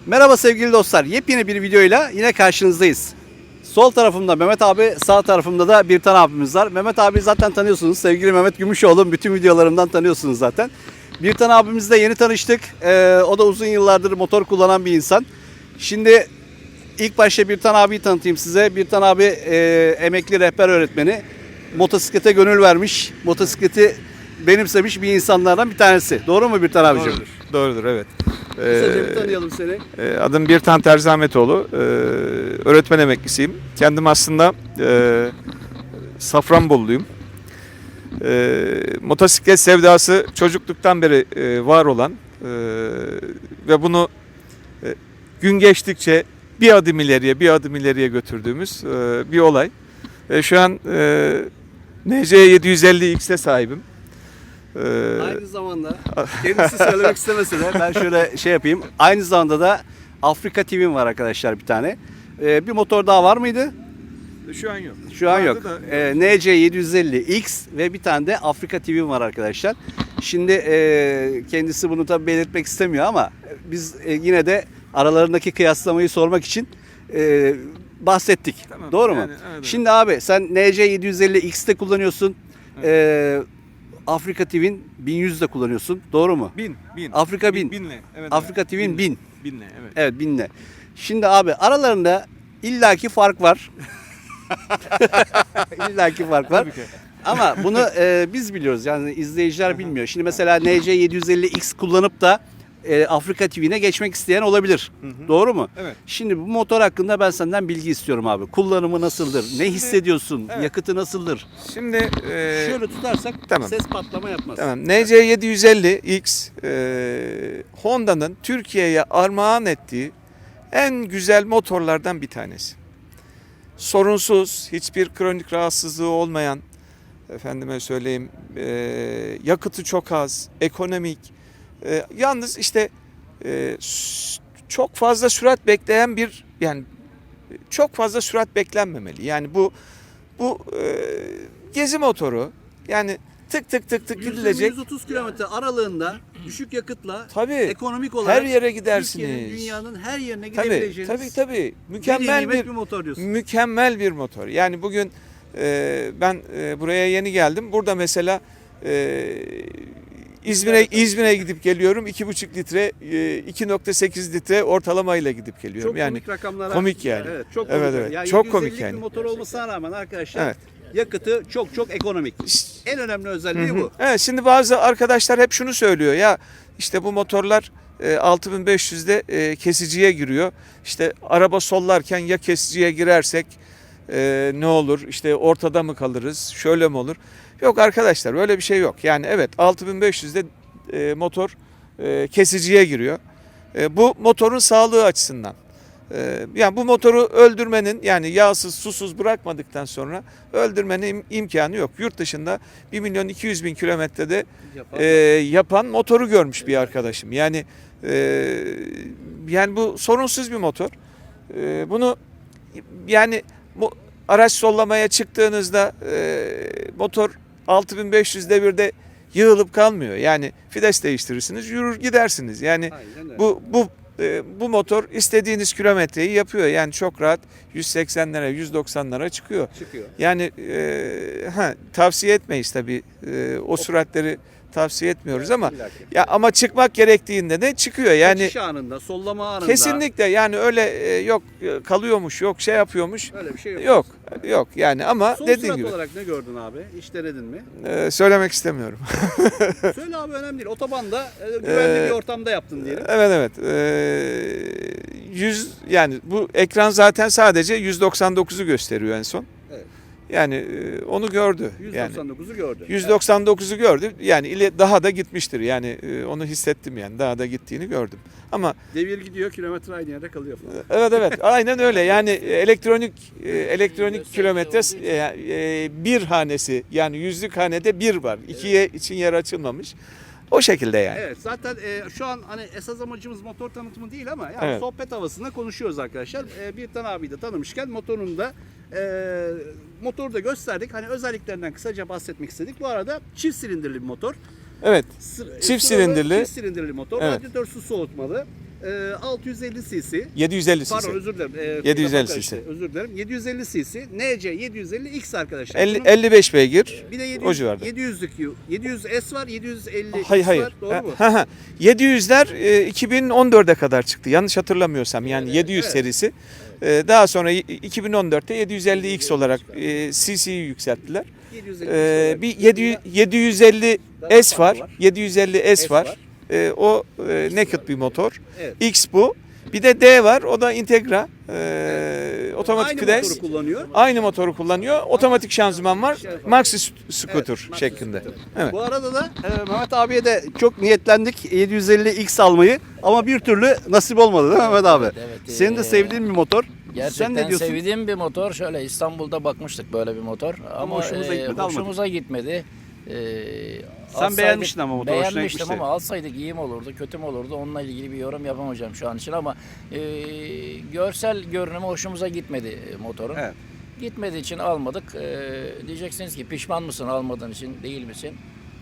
Merhaba sevgili dostlar. Yepyeni bir videoyla yine karşınızdayız. Sol tarafımda Mehmet abi, sağ tarafımda da Birtan abimiz var. Mehmet abi zaten tanıyorsunuz. Sevgili Mehmet Gümüşoğlu. Bütün videolarımdan tanıyorsunuz zaten. Birtan abimizle yeni tanıştık. O da uzun yıllardır motor kullanan bir insan. Şimdi ilk başta Birtan abiyi tanıtayım size. Birtan abi emekli rehber öğretmeni. Motosiklete gönül vermiş. Motosikleti benimsemiş bir insanlardan bir tanesi. Doğru mu Birtan abicim? Doğrudur, evet. Kısaca bir tanıyalım seni. Adım Birtan Terzi Ahmetoğlu. Öğretmen emeklisiyim. Kendim aslında Safranboluluyum. Motosiklet sevdası çocukluktan beri var olan ve bunu gün geçtikçe bir adım ileriye götürdüğümüz bir olay. Şu an NC 750X'e sahibim. Aynı zamanda kendisi söylemek istemese de ben şöyle şey yapayım. Aynı zamanda da Afrika TV'm var arkadaşlar bir tane. Bir motor daha var mıydı? Şu an yok. Şu an yok. Vardı da- NC 750X ve bir tane de Afrika TV'm var arkadaşlar. Şimdi kendisi bunu tabii belirtmek istemiyor ama biz yine de aralarındaki kıyaslamayı sormak için bahsettik. Tamam, Doğru mu? yani, evet. Şimdi abi sen NC 750X'te kullanıyorsun. Afrika TV'nin 1100'de kullanıyorsun. Doğru mu? Bin. Afrika 1000. Binle. Evet, Afrika TV'nin 1000. Binle, evet. Evet 1000'le. Şimdi abi aralarında illaki fark var. illaki fark var. Tabii ki. Ama bunu biz biliyoruz yani izleyiciler bilmiyor. Şimdi mesela NC 750X kullanıp da Afrika TV'ne geçmek isteyen olabilir. Doğru mu? Evet. Şimdi bu motor hakkında ben senden bilgi istiyorum abi. Kullanımı nasıldır? Ne hissediyorsun? evet. Yakıtı nasıldır? Şimdi Şöyle tutarsak tamam. ses patlama yapmaz. tamam. NC 750X Honda'nın Türkiye'ye armağan ettiği en güzel motorlardan bir tanesi. Sorunsuz, hiçbir kronik rahatsızlığı olmayan, efendime söyleyeyim, yakıtı çok az, ekonomik. Yalnız işte çok fazla sürat bekleyen bir, yani çok fazla sürat beklenmemeli. Yani bu gezi motoru, yani tık tık tık tık gidilecek. 130 kilometre aralığında düşük yakıtla Tabii. ekonomik olarak Her yere gidersiniz. Türkiye'nin, dünyanın her yerine Tabii, gidebileceğiniz tabii. Mükemmel bir motor diyorsun. mükemmel bir motor. Yani bugün ben buraya yeni geldim. Burada mesela İzmir'e gidip geliyorum. 2,5 litre, 2,8 litre ortalamayla gidip geliyorum. Çok yani komik rakamlara. komik yani. Evet, çok komik. Evet, evet. Yani Çok komik 750'lik yani. bir motor olmasına rağmen arkadaşlar Evet. yakıtı çok ekonomik. En önemli özelliği bu. Evet, şimdi bazı arkadaşlar hep şunu söylüyor ya, işte bu motorlar 6500'de kesiciye giriyor. İşte araba sollarken ya kesiciye girersek ne olur? İşte ortada mı kalırız? Şöyle mi olur? Yok arkadaşlar, öyle bir şey yok. Yani evet, 6500'de motor kesiciye giriyor. Bu motorun sağlığı açısından. Yani bu motoru öldürmenin, yani yağsız susuz bırakmadıktan sonra öldürmenin imkanı yok. Yurt dışında 1.200.000 kilometrede yapan motoru görmüş bir arkadaşım. Yani bu sorunsuz bir motor. Bunu yani araç sollamaya çıktığınızda motor 6500 devirde yığılıp kalmıyor. Yani fides değiştirirsiniz, yürür gidersiniz. Yani bu motor istediğiniz kilometreyi yapıyor. Yani çok rahat 180'lere, 190'lara çıkıyor. Yani tavsiye etmeyiz tabii. O süratleri tavsiye etmiyoruz ama ama çıkmak gerektiğinde de çıkıyor. Yani Geçiş anında, sollama anında. kesinlikle, yani öyle yok kalıyormuş, yok şey yapıyormuş. Öyle bir şey yok. Yok yani, ama Son dediğim sürat gibi olarak ne gördün abi? Hiç denedin mi? söylemek istemiyorum. Söyle abi, önemli değil. Otobanda güvenli bir ortamda yaptın diyelim. Evet. 100, yani bu ekran zaten sadece 199'u gösteriyor en son. Evet. Yani onu gördü. 199'u gördü. 199'u gördü. Yani daha da gitmiştir. Yani onu hissettim yani. Daha da gittiğini gördüm. Ama Devir gidiyor, kilometre aynı yerde kalıyor falan. evet. Aynen öyle. Yani elektronik kilometre bir hanesi, yani yüzlük hanede bir var. İkiye için yer açılmamış. O şekilde yani. Evet, zaten şu an hani esas amacımız motor tanıtımı değil ama yani Evet. sohbet havasında konuşuyoruz arkadaşlar. Birtan abiyi de tanımışken motorunu da motoru da gösterdik. Hani özelliklerinden kısaca bahsetmek istedik. Bu arada çift silindirli bir motor. Evet. Sıralı Çift silindirli. Çift silindirli motor. Evet. Radyatör su soğutmalı. 650 cc. 750 cc. Pardon özür dilerim. 750 lafım cc. karıştı. Özür dilerim. 750 cc. NC 750X arkadaşlar. 55 beygir. Bir de o civarda. 700S var, 750 Hayır hayır. var. Doğru mu? 700'ler 2014'e kadar çıktı. Yanlış hatırlamıyorsam yani 700 evet. serisi. Daha sonra 2014'te 750X olarak cc'yi yükselttiler. 750 Bir 750S var. 750S var. O naked bir motor. Evet. X bu. Bir de D var. O da Integra. Otomatik Aynı vites. motoru kullanıyor. Aynı motoru kullanıyor. Otomatik şanzıman var. Maxi scooter Evet, şeklinde. Evet. Bu arada da Mehmet abiye de çok niyetlendik 750X almayı ama bir türlü nasip olmadı değil mi Mehmet abi? Evet, Senin de sevdiğin bir motor. Gerçekten Sen ne diyorsun? sevdiğim bir motor. Şöyle İstanbul'da bakmıştık böyle bir motor. Ama hoşumuza gitmedi, hoşumuza gitmedi. Sen beğenmiştin ama motoru, hoşuna beğenmiştim gitmişti. ama alsaydık iyi mi olurdu, kötü mü olurdu? Onunla ilgili bir yorum yapamayacağım şu an için ama görsel görünümü hoşumuza gitmedi motorun. Evet. Gitmediği için almadık. Diyeceksiniz ki pişman mısın almadığın için, değil misin?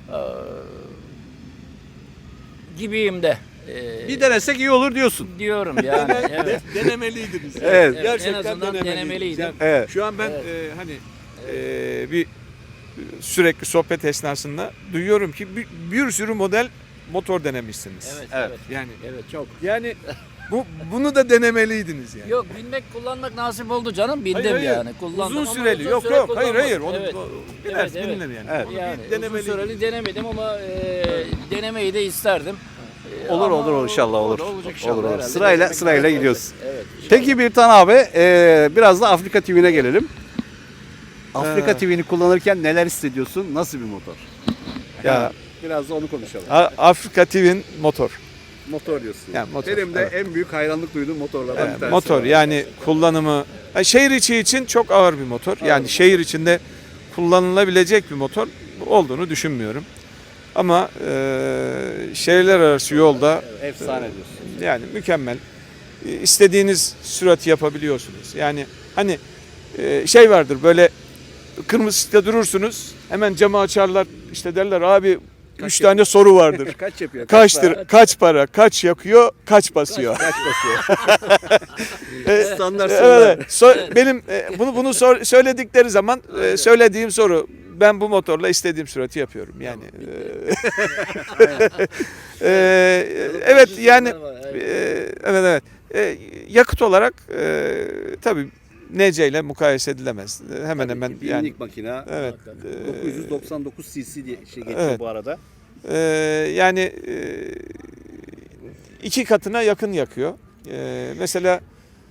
Gibiyim de. Bir denesek iyi olur diyorsun. Diyorum yani. Evet. Denemeliydiniz. Evet. En azından denemeliydim. Evet. Şu an ben hani bir sürekli sohbet esnasında duyuyorum ki bir sürü model motor denemişsiniz. Evet, Evet. evet. Yani Evet, çok. yani bunu da denemeliydiniz yani. Yok, binmek, kullanmak nasip oldu canım. Bindim Hayır, hayır. yani. Kullandım Uzun ama süreli. uzun Yok süre yok. Hayır hayır. kullanmadım. Onu Evet. biraz Evet, bilinir yani. Evet. Onu Yani bir denemeliydiniz. uzun süreli denemedim ama denemeyi de isterdim. Olur Ama olur inşallah olur. Olacak inşallah. Olur olur. Herhalde Sırayla denemek sırayla lazım. gidiyoruz. Evet. Peki bir tane abi biraz da Afrika TV'ne gelelim. Afrika TV'ni kullanırken neler hissediyorsun? Nasıl bir motor? Ya Biraz da onu konuşalım. Afrika TV'nin motor. Motor diyorsun. Yani motor, Benim de evet. en büyük hayranlık duyduğum motorlardan bir tanesi. Motor yani kullanımı şehir içi için çok ağır bir motor. Yani şehir içinde kullanılabilecek bir motor olduğunu düşünmüyorum. Ama şehirler arası yolda Efsane diyorsun. yani mükemmel. İstediğiniz sürati yapabiliyorsunuz. Yani hani şey vardır böyle kırmızı ışıkta durursunuz. Hemen camı açarlar. İşte derler abi 3 tane soru vardır. Kaç yapıyor? Kaçtır, kaç para, kaç yakıyor, kaç basıyor. Kaç basıyor? Standart Evet, benim bunu söyledikleri zaman söylediğim soru ben bu motorla istediğim sürati yapıyorum yani. Evet yani evet. Yakıt olarak tabii NC ile mukayese edilemez. Hemen hemen yani. Binlik makina. Evet. 999 cc diye şey geçiyor Evet. bu arada. Yani 2 katına yakın yakıyor. Mesela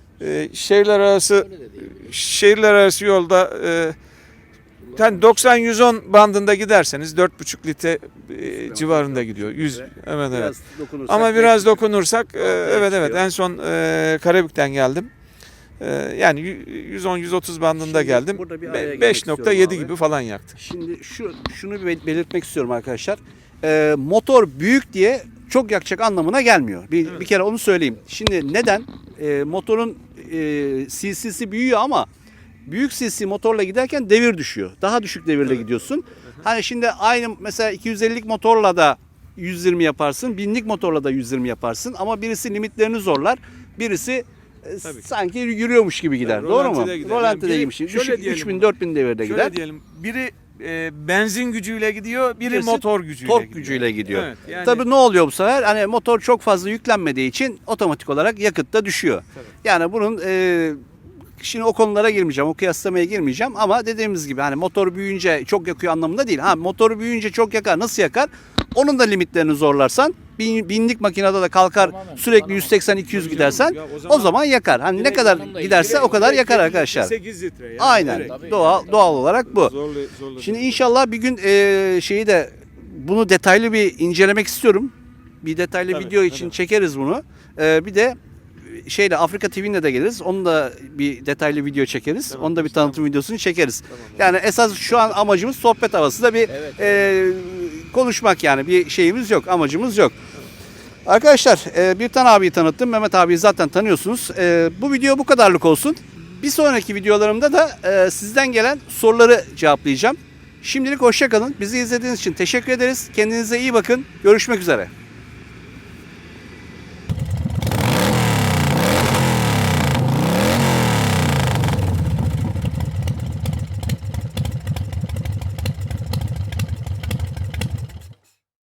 şehirler arası yolda yani 90-110 bandında giderseniz 4,5 litre civarında gidiyor. 100 evet evet. Biraz dokunursak. Ama biraz dokunursak evet çıkıyor. en son Karabük'ten geldim. Yani 110-130 bandında Şimdi geldim. burada bir araya girmek istiyorum 5,7 abi. gibi falan yaktı. Şimdi şunu bir belirtmek istiyorum arkadaşlar. Motor büyük diye çok yakacak anlamına gelmiyor. Bir kere onu söyleyeyim. Şimdi neden? Motorun cc'si büyüyor ama büyük cc motorla giderken devir düşüyor. Daha düşük devirle gidiyorsun. Hani şimdi aynı mesela 250'lik motorla da 120 yaparsın. 1000'lik motorla da 120 yaparsın. Ama birisi limitlerini zorlar. Birisi Tabii ki. sanki yürüyormuş gibi gider. Tabii, Doğru mu? rolantide gider. Rolantide Yani giymiş. biri- şöyle diyelim 3000-4000 devirde Şöyle gider. diyelim, biri benzin gücüyle gidiyor, biri Birisi motor gücüyle Tork gidiyor. gücüyle gidiyor. Evet, yani, Tabii ne oluyor bu sefer? Hani motor çok fazla yüklenmediği için otomatik olarak yakıt da düşüyor. Tabii. Yani bunun şimdi o konulara girmeyeceğim, o kıyaslamaya girmeyeceğim ama dediğimiz gibi hani motor büyüyünce çok yakıyor anlamında değil. Ha motoru büyüyünce çok yakar, nasıl yakar? Onun da limitlerini zorlarsan binlik makinede de kalkar Tamamen, sürekli tamamen. 180-200 gidersen Ya o zaman yakar. Hani ne direkt kadar yanımda giderse o kadar yakar arkadaşlar. 8 litre yani. Aynen. Direkt. Tabii. Doğal olarak bu. Zorlu Şimdi inşallah bir gün şeyi de bunu detaylı bir incelemek istiyorum. Bir detaylı Tabii, video için tabii. çekeriz bunu. Bir de şeyle Afrika TV'ne de geliriz. Onu da bir detaylı video çekeriz. Tamam, Onu da bir tanıtım videosunu çekeriz. Yani esas şu an amacımız sohbet havası da bir Evet. konuşmak yani. Bir şeyimiz yok, amacımız yok. Arkadaşlar bir tane abiyi tanıttım. Mehmet abiyi zaten tanıyorsunuz. Bu video bu kadarlık olsun. Bir sonraki videolarımda da sizden gelen soruları cevaplayacağım. Şimdilik hoşça kalın. Bizi izlediğiniz için teşekkür ederiz. Kendinize iyi bakın. Görüşmek üzere.